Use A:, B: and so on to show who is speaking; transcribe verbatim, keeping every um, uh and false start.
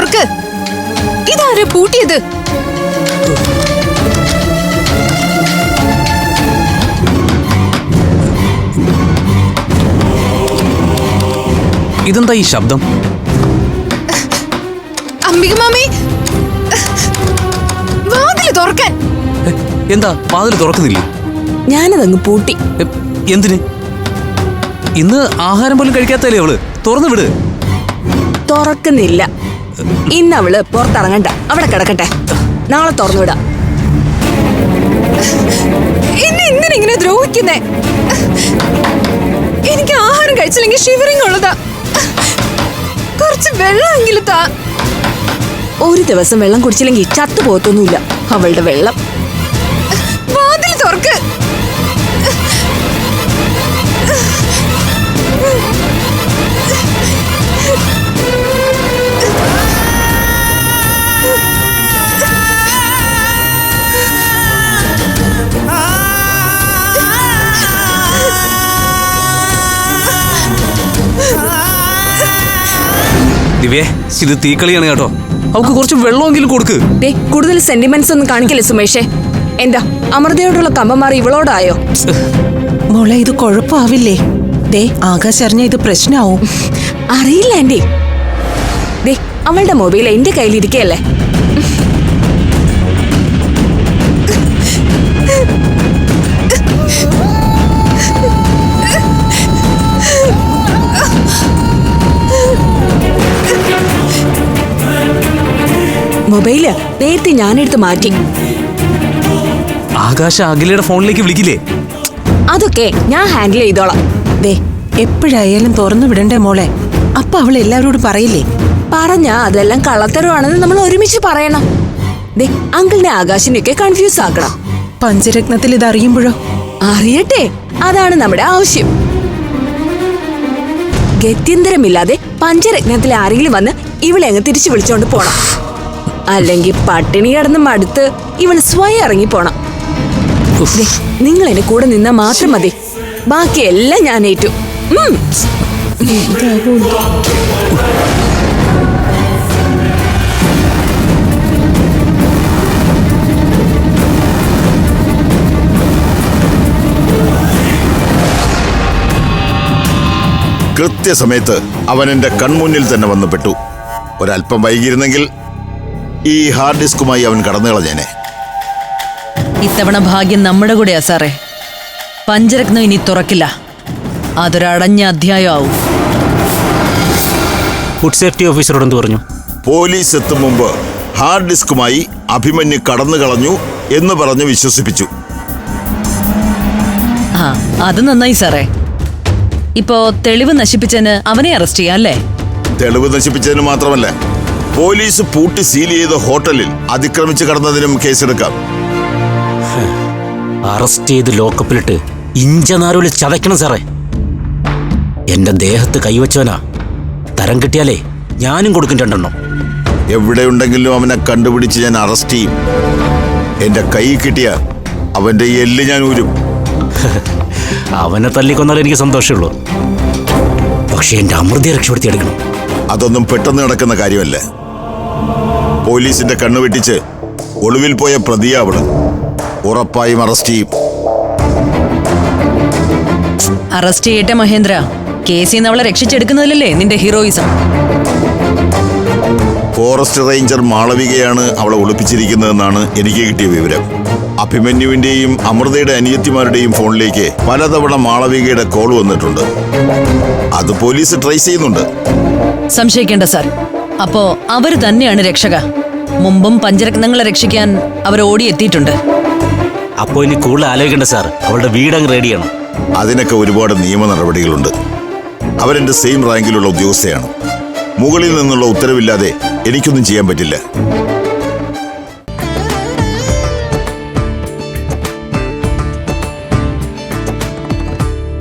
A: തുറക്ക്. ഇതാരെ പൂട്ടിയത്?
B: ഇതെന്താ ഈ ശബ്ദം?
A: അംബിക മാമി, വാതില് തുറക്കാൻ.
B: എന്താ വാതില് തുറക്കുന്നില്ലേ?
C: ഞാനതങ്ങ് പൂട്ടി.
B: എന്തിന്? ഇന്ന് ആഹാരം പോലും കഴിക്കാത്തല്ലേ അവള്? തുറന്നു വിട്.
C: തുറക്കുന്നില്ല. ഇന്ന് അവള് പുറത്തിറങ്ങണ്ട, അവിടെ കിടക്കട്ടെ. നാളെ തുറന്നു വിടാം.
A: എന്നെ എന്തിനാ ഇങ്ങനെ ദ്രോഹിക്കുന്നേ? എനിക്ക് ആഹാരം കഴിച്ചില്ലെങ്കിൽ ഷിവറിംഗ് ഉള്ളതാ. കുറച്ച് വെള്ളമെങ്കിലും താ.
C: ഒരു ദിവസം വെള്ളം കുടിച്ചില്ലെങ്കിൽ ചത്തു പോകത്തൊന്നുമില്ല അവളുടെ വെള്ളം.
A: വാതിൽ തുറക്ക്.
B: ദിവ്യേ, ഇത് തീക്കളിയാണ് കേട്ടോ. അവൾക്ക് കുറച്ച് വെള്ളമെങ്കിലും കൊടുക്ക്.
C: ദേ, കൂടുതൽ സെന്റിമെന്റ്സ് ഒന്നും കാണിക്കില്ല സുമേഷേ. എന്താ അമൃതയോടുള്ള കമ്പമാറി ഇവളോടായോ?
D: മോളെ, ഇത് കുഴപ്പമാവില്ലേ? ദേ, ആകാശ് അറിഞ്ഞ ഇത് പ്രശ്നമാവും.
C: അറിയില്ല ആന്റി. ദേ, അവളുടെ മൊബൈൽ എന്റെ കയ്യിലിരിക്കല്ലേ. മൊബൈല് നേരത്തെ ഞാനെടുത്ത് മാറ്റി.
B: ആകാശ അഖിലയുടെ ഫോണിലേക്ക് വിളിക്കില്ലേ?
C: അതൊക്കെ ഞാൻ ഹാൻഡിൽ ചെയ്തോളാം.
D: ദേ, എപ്പോഴായാലും തുറന്നു വിടണ്ടേ മോളെ? അപ്പൊ അവൾ എല്ലാവരോടും പറയില്ലേ?
C: പറഞ്ഞാ അതെല്ലാം കള്ളത്തരമാണെന്ന് നമ്മൾ ഒരുമിച്ച് പറയണം. ദേ, അങ്കിളിനെ ആകാശിനെയൊക്കെ കൺഫ്യൂസ് ആക്കണം.
D: പഞ്ചരത്നത്തിൽ ഇത് അറിയുമ്പോഴോ?
C: അറിയട്ടെ, അതാണ് നമ്മുടെ ആവശ്യം. ഗത്യന്തരമില്ലാതെ പഞ്ചരത്നത്തിലെ ആരെങ്കിലും വന്ന് ഇവളെ അങ്ങ് തിരിച്ചു വിളിച്ചോണ്ട് പോണം. അല്ലെങ്കിൽ പട്ടിണി കിടന്ന് മടുത്ത് ഇവൾ സ്വയം ഇറങ്ങി പോണം. നിങ്ങൾ എന്നെ കൂടെ നിന്നാ മാത്രം മതി. ബാക്കിയെല്ലാം ഞാൻ ഏറ്റു.
E: കൃത്യസമയത്ത് അവൻ എന്റെ കൺമുന്നിൽ തന്നെ വന്നു പെട്ടു. ഒരല്പം വൈകിയിരുന്നെങ്കിൽ ഈ ഹാർഡ് ഡിസ്കുമായി അവൻ കടന്നു കളഞ്ഞേനെ.
F: ഇത്തവണ ഭാഗ്യം നമ്മുടെ കൂടെയാ സാറേ. പഞ്ചരത്നം ഇനി തുറക്കില്ല. അതൊരടഞ്ഞ അധ്യായമാവും.
B: ഫുഡ് സേഫ്റ്റി ഓഫീസറോട് എന്ത് പറഞ്ഞു?
E: പോലീസ് എത്തും മുമ്പ് ഹാർഡ് ഡിസ്കുമായി അഭിമന്യു കടന്നു കളഞ്ഞു എന്ന് പറഞ്ഞ് വിശ്വസിപ്പിച്ചു.
F: ആ, അത് നന്നായി സാറേ. ഇപ്പോ തെളിവ് നശിപ്പിച്ചതിന് അവനെ അറസ്റ്റ് ചെയ്യാം അല്ലേ?
E: തെളിവ് നശിപ്പിച്ചതിന് മാത്രമല്ല, പോലീസ് പൂട്ടി സീൽ ചെയ്ത ഹോട്ടലിൽ അതിക്രമിച്ച് കടന്നതിനും കേസെടുക്കാം.
G: അറസ്റ്റ് ചെയ്ത് ലോക്കപ്പിലിട്ട് ഇഞ്ചനാരോല് ചതയ്ക്കണം സാറേ. എന്റെ ദേഹത്ത് കൈവച്ചവനാ. തരം കിട്ടിയാലേ ഞാനും കൊടുക്കും രണ്ടെണ്ണം.
E: എവിടെയുണ്ടെങ്കിലും അവനെ കണ്ടുപിടിച്ച് ഞാൻ അറസ്റ്റ് ചെയ്യും. എന്റെ കൈ കിട്ടിയ അവന്റെ എല്ല് ഞാൻ ഊരും.
G: അവനെ തല്ലിക്കൊന്നാലും എനിക്ക് സന്തോഷമുള്ളൂ. പക്ഷെ എന്റെ അമൃതയെ രക്ഷപ്പെടുത്തിയെടുക്കണം.
E: അതൊന്നും പെട്ടെന്ന് നടക്കുന്ന കാര്യമല്ല. പോലീസിന്റെ കണ്ണു വെട്ടിച്ച് ഒളിവിൽ പോയ പ്രതിയാവണം. ഉറപ്പായും അറസ്റ്റ് ചെയ്യും.
F: അറസ്റ്റ് ചെയ്യട്ടെ മഹേന്ദ്ര. കേസിൽ നിന്ന് അവളെ രക്ഷിച്ചെടുക്കുന്നതിലല്ലേ നിന്റെ ഹീറോയിസം.
E: ഫോറസ്റ്റ് റേഞ്ചർ മാളവികയാണ് അവളെ ഒളിപ്പിച്ചിരിക്കുന്നതെന്നാണ് എനിക്ക് കിട്ടിയ വിവരം. അഭിമന്യുവിന്റെയും അമൃതയുടെ അനിയത്തിമാരുടെയും ഫോണിലേക്ക് പലതവണ മാളവികയുടെ കോൾ വന്നിട്ടുണ്ട്. അത് പോലീസ് ട്രേസ് ചെയ്യുന്നുണ്ട്.
F: സംശയിക്കേണ്ട സാർ. അപ്പോ അവര് തന്നെയാണ് രക്ഷക. മുമ്പും പഞ്ചരത്നങ്ങളെ രക്ഷിക്കാൻ അവർ ഓടിയെത്തിയിട്ടുണ്ട്.
G: അപ്പോ ഇനി കൂടുതൽ ആലോചിക്കേണ്ട സാർ. അവളുടെ വീടങ്ങ് റെഡിയാണ്.
E: അതിനൊക്കെ ഒരുപാട് നിയമ നടപടികളുണ്ട്. അവരെന്റെ സെയിം റാങ്കിലുള്ള ഉദ്യോഗസ്ഥയാണ്. മുകളിൽ നിന്നുള്ള ഉത്തരവില്ലാതെ എനിക്കൊന്നും ചെയ്യാൻ പറ്റില്ല.